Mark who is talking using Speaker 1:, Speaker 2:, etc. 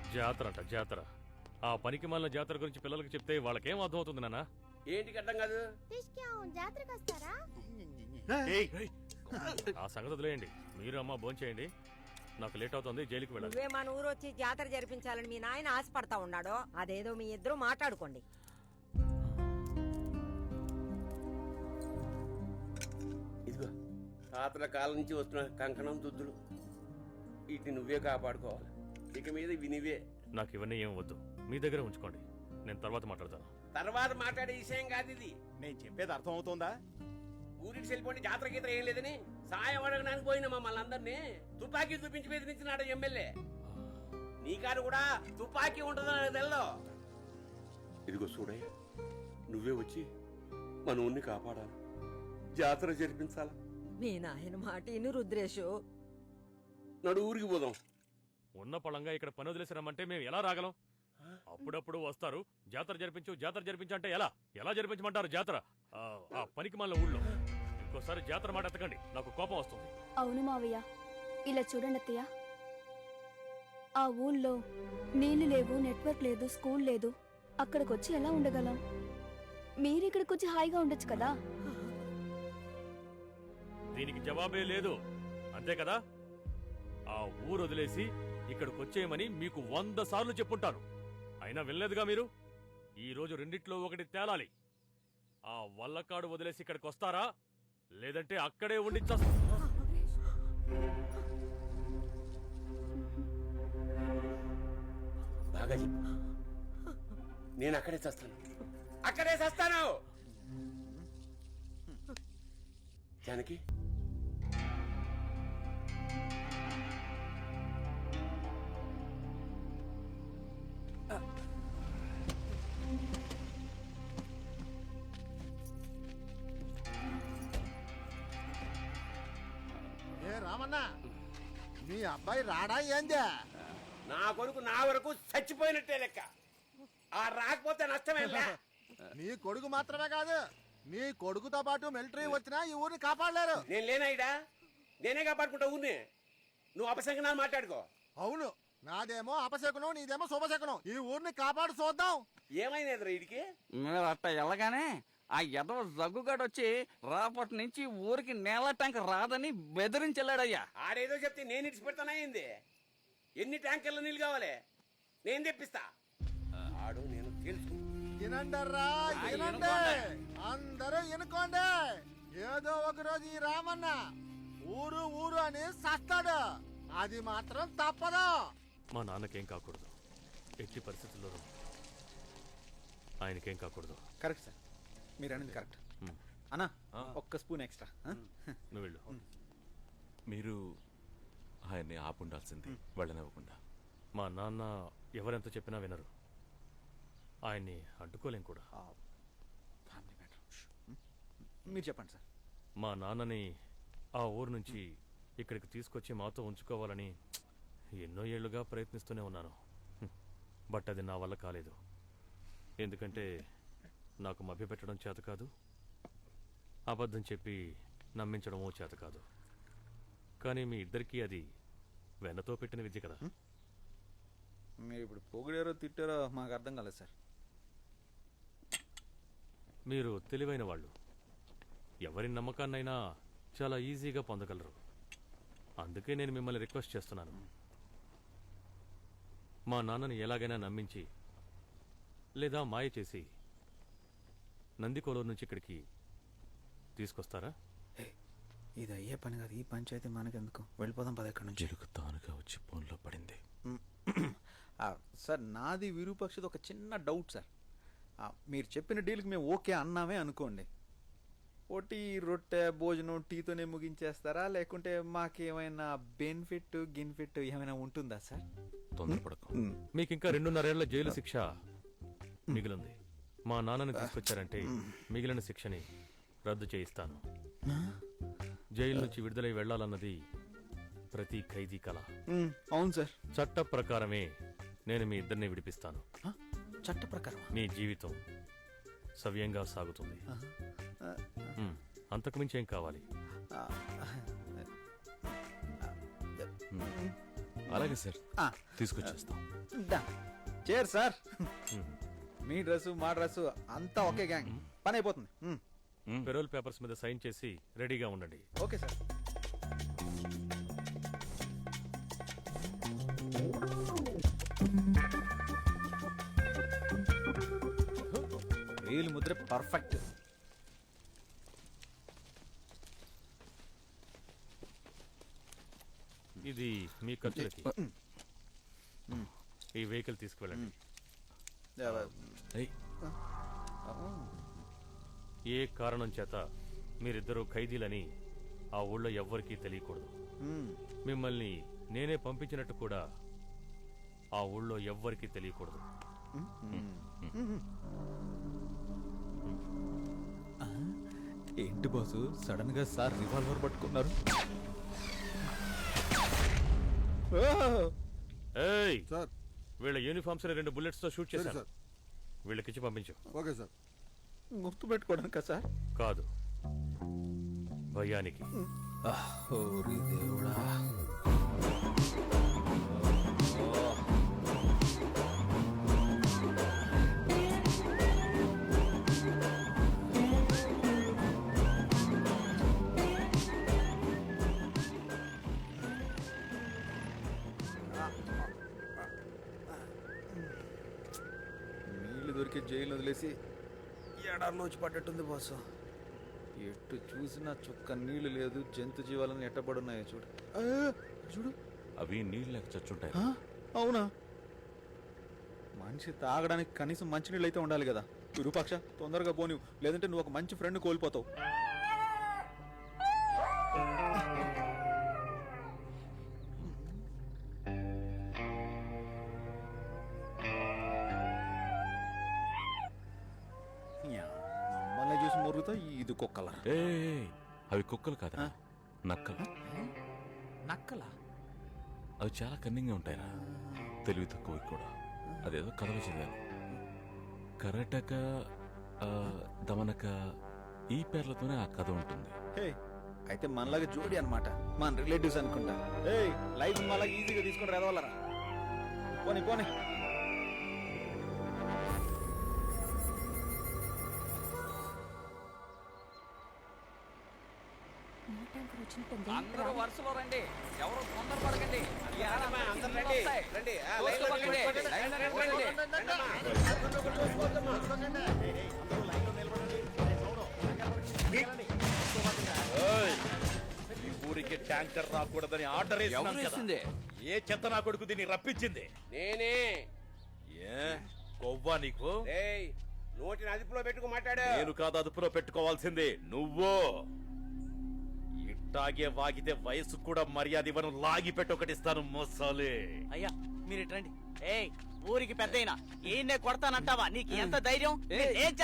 Speaker 1: జాతర అంట జాతర. ఆ పనికి మాలిన జాతర గురించి పిల్లలకి చెప్తే వాళ్ళకేం అర్థం అవుతుంది నాన్న?
Speaker 2: ఏంటికి అర్థం కాదు?
Speaker 3: జాతరకు వస్తారా?
Speaker 1: ఆ సంగతి వదిలేయండి. మీరు అమ్మ భోంచేయండి, నాకు లేట్ అవుతుంది, జైలుకి వెళ్ళాలి.
Speaker 4: నువ్వే మన ఊరు వచ్చి జాతర జరిపించాలని మీ నాయన ఆశపడతా ఉన్నాడో అదేదో మీ ఇద్దరు మాట్లాడుకోండి.
Speaker 2: ఇదిగో తాతల కాలం నుంచి వస్తున్న కంకణం దుద్దులు, వీటిని నువ్వే కాపాడుకోవాలి. ఇక మీద ఇవి నువ్వే.
Speaker 1: నాకు ఇవన్నీ ఏం వద్దు, మీ దగ్గర ఉంచుకోండి, నేను తర్వాత మాట్లాడతాను.
Speaker 2: తర్వాత మాట్లాడే విషయం కాదు ఇది.
Speaker 5: నేను చెప్పేది అర్థం అవుతుందా?
Speaker 2: ఊరికి వెళ్ళిపోండి, జాతర గీతర ఏం లేదని సాయం అడగడానికి పోయిన మమ్మల్ని అందరినీ తుపాకీ చూపించి బెదిరించినాడు ఎమ్మెల్యే. నీ కారు కూడా తుపాకీ ఉంటుందని నాకు తెల్లో. ఇదిగో చూడయ్య, నువ్వే వచ్చి మన ఊరిని కాపాడాలి, జాతర జరిపించాలా.
Speaker 4: మీ నాయన మాట ఇను రుద్రేషు.
Speaker 2: నడు ఊరికి పోదాం.
Speaker 1: ఉన్న పళంగా ఇక్కడ పని వదిలేసి రమ్మంటే మేము ఎలా రాగలం? అప్పుడప్పుడు వస్తారు, జాతర జరిపించు అంటే ఎలా ఎలా జరిపించమంటారు జాతర? ఆ పనికి మాలిన ఊళ్ళో ఇంకోసారి జాతర మాట ఎత్తకండి, నాకు కోపం వస్తుంది.
Speaker 3: అవును మావయ్య, ఇలా చూడండి అత్తయ్య, ఆ ఊళ్ళో నీళ్లు లేవు, నెట్వర్క్ లేదు, స్కూల్ లేదు. అక్కడికొచ్చి ఎలా ఉండగలం? మీరిక్కడికొచ్చి హాయిగా ఉండొచ్చు కదా.
Speaker 1: దీనికి జవాబే లేదు, అంతే కదా? ఆ ఊరు వదిలేసి ఇక్కడికి వచ్చేయమని మీకు 100 సార్లు చెప్పుంటాను, అయినా వెళ్ళలేదుగా మీరు. ఈ రోజు రెండిట్లో ఒకటి తేలాలి. ఆ వల్లకాడు వదిలేసి ఇక్కడికి వస్తారా, లేదంటే అక్కడే ఉండి
Speaker 2: బాగా చెప్పు. నేను అక్కడే చస్తాను, అక్కడే చస్తాను. జానకి,
Speaker 5: ఏ రామన్నా, మీ అబ్బాయి రాడా ఏందే?
Speaker 2: నా కొడుకు నా వరకు చచ్చిపోయినట్టే లెక్క. ఆ రాకపోతే నష్టమేలా.
Speaker 5: నీ కొడుకు మాత్రమే కాదు, నీ కొడుకుతో పాటు మిలిటరీ వచ్చినా ఈ ఊరిని కాపాడలేరు.
Speaker 2: నేను లేనాయిడా, నేనే కాపాడుకుంటా ఊరిని. నువ్వు అపశంకనాలు మాట్లాడుకో.
Speaker 5: అవును, నాదేమో అపశకునం, నీదేమో శుభశకునం. ఈ ఊరిని కాపాడు చూద్దాం.
Speaker 2: ఏమైనా వీడికి?
Speaker 6: మీరు అట్ట వెళ్ళగానే ఆ ఎదవ జగ్గుగాడు వచ్చి రాపటి నుంచి ఊరికి నేల ట్యాంక్ రాదని బెదిరించెళ్ళాడయ్యా.
Speaker 2: ఆడేదో చెప్తే నేను ఇడిచి పెడతానా ఏంది? ఎన్ని ట్యాంకర్ల నీళ్ళు కావాలి? నేను తెప్పిస్తా. ఆడు నేను తెలుసు.
Speaker 5: వినండర్రా, వినండి, అందరూ వినుకోండి. ఏదో ఒక రోజు ఈ రామన్న ఊరు ఊరు అని సస్తాడు, అది మాత్రం తప్పదు.
Speaker 1: మా నాన్నకేం కాకూడదు, ఎట్టి పరిస్థితుల్లోనూ ఆయనకేం కాకూడదు.
Speaker 7: కరెక్ట్ సార్, మీరు అనేది కరెక్ట్. అన్నా ఒక్క స్పూన్ ఎక్స్ట్రా.
Speaker 1: నువ్వు వెళ్ళు.
Speaker 8: మీరు ఆయన్ని ఆపుండాల్సింది, వెళ్ళనివ్వకుండా.
Speaker 1: మా నాన్న ఎవరెంత చెప్పినా వినరు, ఆయన్ని అడ్డుకోలేం కూడా.
Speaker 7: Family matter. మీరు చెప్పండి సార్.
Speaker 1: మా నాన్నని ఆ ఊరు నుంచి ఇక్కడికి తీసుకొచ్చి మాతో ఉంచుకోవాలని ఎన్నో ఏళ్లుగా ప్రయత్నిస్తూనే ఉన్నాను. బట్ అది నా వల్ల కాలేదు. ఎందుకంటే నాకు మభ్యపెట్టడం చేత కాదు, అబద్ధం చెప్పి నమ్మించడమో చేత కాదు. కానీ మీ ఇద్దరికీ అది వెన్నతో పెట్టిన విద్య కదా.
Speaker 7: మీరు ఇప్పుడు పొగిడారో తిట్టారో మాకు అర్థం కాలేదు సార్.
Speaker 1: మీరు తెలివైన వాళ్ళు, ఎవరి నమ్మకాన్నైనా చాలా ఈజీగా పొందగలరు. అందుకే నేను మిమ్మల్ని రిక్వెస్ట్ చేస్తున్నాను, మా నాన్నని ఎలాగైనా నమ్మించి లేదా మాయ చేసి నందికోలూరు నుంచి ఇక్కడికి తీసుకొస్తారా?
Speaker 7: ఇది అయ్యే పని కాదు, ఈ పంచాయతీ మనకెందుకు, వెళ్ళిపోదాం పద ఇక్కడ నుంచి.
Speaker 8: జరుగు తానుగా వచ్చి ఫోన్లో పడింది.
Speaker 7: సార్ నాది విరూపక్షది ఒక చిన్న డౌట్ సార్. మీరు చెప్పిన డీల్కి మేము ఓకే అన్నామే అనుకోండి, ఒకటి రొట్టె భోజనం టీతోనే ముగించేస్తారా, లేకుంటే మాకేమైనా బెనిఫిట్ గిన్ఫిట్ ఏమైనా ఉంటుందా సార్?
Speaker 8: తొందరపడకు.
Speaker 1: మీకు ఇంకా 2.5 ఏళ్ల జైలు శిక్ష మిగిలింది. మా నాన్నని తీసుకొచ్చారంటే మిగిలిన శిక్షని రద్దు చేయిస్తాను. జైలు నుంచి విడుదలై వెళ్లాలన్నది ప్రతి ఖైదీ కళ.
Speaker 7: అవును సార్.
Speaker 1: చట్ట ప్రకారమే నేను మీ ఇద్దరిని విడిపిస్తాను.
Speaker 7: చట్ట ప్రకారం
Speaker 1: మీ జీవితం సవ్యంగా సాగుతుంది. అంతకుమించి ఏం కావాలి?
Speaker 8: అలాగే సార్
Speaker 7: ఆ,
Speaker 8: తీసుకొచ్చేస్తాం.
Speaker 7: Chair sir. మీ డ్రెస్సు మా డ్రెస్సు అంతా ఒకే గ్యాంగ్, పని అయిపోతుంది.
Speaker 1: పెరోల్ పేపర్స్ మీద సైన్ చేసి రెడీగా ఉండండి.
Speaker 7: Okay sir. వేలు ముద్ర పర్ఫెక్ట్.
Speaker 1: ఇది మీ ఖర్చులకి. ఈ వెహికల్ తీసుకువెళ్ళండి.
Speaker 8: ఏయ్,
Speaker 1: ఏ కారణం చేత మీరిద్దరూ ఖైదీలని ఆ ఊళ్ళో ఎవ్వరికీ తెలియకూడదు. మిమ్మల్ని నేనే పంపించినట్టు కూడా ఆ ఊళ్ళో ఎవ్వరికీ తెలియకూడదు.
Speaker 7: ఏంటి బాసు సడన్ గా సార్ రివాల్వర్ పట్టుకున్నారు?
Speaker 1: ఏయ్,
Speaker 5: సార్
Speaker 1: వీళ్ళ యూనిఫామ్స్ 2 bullets తో షూట్
Speaker 5: సరే
Speaker 1: చేశాను.
Speaker 5: సార్.
Speaker 1: వీళ్ళకిచ్చి పంపించు.
Speaker 5: Okay sir.
Speaker 7: గుర్తు పెట్టుకోవడానికా సార్?
Speaker 1: కాదు, భయానికి.
Speaker 7: ఓరి దేవుడా. నీళ్లు దొరికి జైలు వదిలేసి ఎడార్లోచి పడ్డట్టుంది బాసు. ఎటు చూసినా చుక్క నీళ్లు లేదు, జంతు జీవాలను ఎట్టబడున్నాయో చూడు. చూడు,
Speaker 8: అవి నీళ్ళు లేక చచ్చుంటాయి.
Speaker 7: అవునా? మనిషి తాగడానికి కనీసం మంచినీళ్ళు అయితే ఉండాలి కదా. విరూపాక్ష, తొందరగా పోని, లేదంటే నువ్వు ఒక మంచి ఫ్రెండ్ కోల్పోతావు. మమ్మల్ని చూసి మొరుగుతా ఇది కుక్కల.
Speaker 8: ఏయ్, అవి కుక్కలు కాదా, నక్కలు.
Speaker 7: నక్కల?
Speaker 8: అవి చాలా కన్నింగ్గా ఉంటాయిరా, తెలివి తక్కువ కూడా. అదేదో కథలో చదివాను. కరటక, దమనక, ఈ పేర్లతోనే ఆ కథ ఉంటుంది.
Speaker 7: హే, అయితే మనలాగా జోడి అన్నమాట, మన రిలేటివ్స్ అనుకుంటా. ఏయ్, లైఫ్ మనలాగా ఈజీగా తీసుకుని రావాలరా. పోనీ పోనీ.
Speaker 6: అందరూ వరుసలో రండి, ఎవరు తొందర పడకండి.
Speaker 2: అందరూ రండి, రండి. ఆ, లైన్లో నిలబడండి. లైన్లో నిలబడండి. రండమ్మా. ఒకరినొకరు చూసుకోవద్దమ్మా.
Speaker 9: ఈ ఊరికి ట్యాంకర్ రాకూడదని ఆర్డర్
Speaker 6: ఎవరేసింది?
Speaker 9: ఏ చెత్త నా కొడుకు దీన్ని రప్పించింది?
Speaker 2: నేనే.
Speaker 9: ఏ కొవ్వా నీకు?
Speaker 2: ఏయ్, నోటిని అదుపులో పెట్టుకు మాట్లాడు.
Speaker 9: నేను కాదు అదుపులో పెట్టుకోవాల్సింది, నువ్వు. ఇట్టాగే వాగితే వయసు కూడా మర్యాద ఇవ్వను, లాగి పెట్టి ఒకటిస్తాను మోసాలే.
Speaker 10: అయ్యా మీరు రండి. ఏయ్, ఊరికి పెద్దయినా ఈయన్నే కొడతానంటావా? నీకు ఎంత ధైర్యం? ఏం